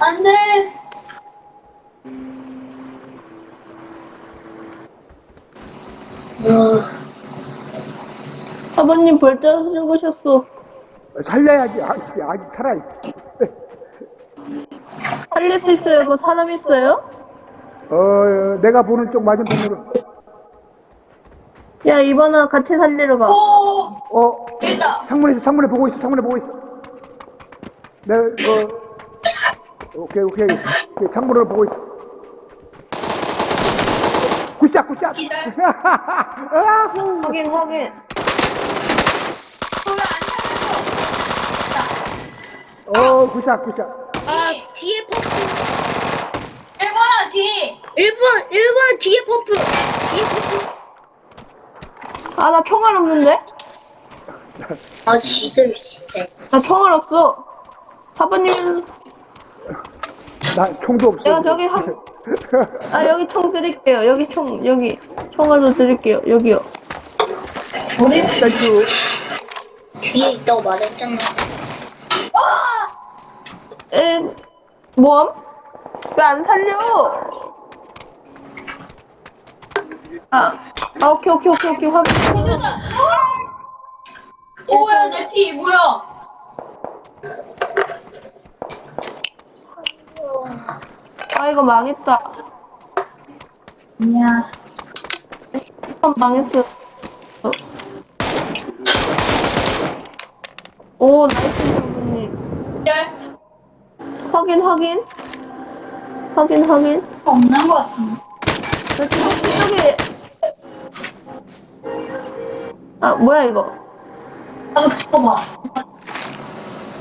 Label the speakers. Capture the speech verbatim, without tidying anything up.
Speaker 1: 안 돼.
Speaker 2: 아버님 벌써 죽으셨어.
Speaker 3: 살려야지. 아직, 아직 살아있어.
Speaker 2: 살릴 수 있어요? 그 사람 있어요?
Speaker 3: 어, 내가 보는 쪽 맞은편으로.
Speaker 2: 야, 이번아 같이 살리러 가.
Speaker 1: 오,
Speaker 3: 어,
Speaker 1: 됐다.
Speaker 3: 창문에서, 창문에 보고 있어, 창문에 보고 있어. 내가, 어, 오케이, 오케이. 오케이, 창문으로 보고 있어. 굿샷, 굿샷.
Speaker 1: 기절.
Speaker 3: 아후.
Speaker 2: 확인, 확인.
Speaker 1: 왜안 살려?
Speaker 3: 어, 굿샷, 굿샷.
Speaker 4: 아, 뒤에 퍼프.
Speaker 1: 일 번아, 뒤.
Speaker 4: 일 번, 일 번 뒤에 퍼프. 뒤에 퍼프.
Speaker 2: 아, 나 총알 없는데?
Speaker 4: 아, 지들 진짜.
Speaker 2: 나 총알 없어. 사부님,
Speaker 3: 나 총도 없어.
Speaker 2: 내가 저기 한, 아, 여기 총 드릴게요. 여기 총, 여기. 총알도 드릴게요. 여기요.
Speaker 1: 우리
Speaker 3: 땡큐.
Speaker 4: 뒤에 있다고 말했잖아.
Speaker 2: 에, 뭐함? 왜 안 살려? 아, 아, 오케이, 오케이, 오케이, 오케이. 확인.
Speaker 1: 뒤졌다. 오야, 내 피, 뭐야?
Speaker 2: 아, 이거 망했다.
Speaker 1: 아니야.
Speaker 2: 한 망했어. 오, 나이스, 사부님.
Speaker 1: 기절.
Speaker 2: 확인, 확인. 확인, 확인.
Speaker 1: 없는 것 같은데.
Speaker 2: 저기. 아, 뭐야, 이거.
Speaker 1: 나도 봐봐.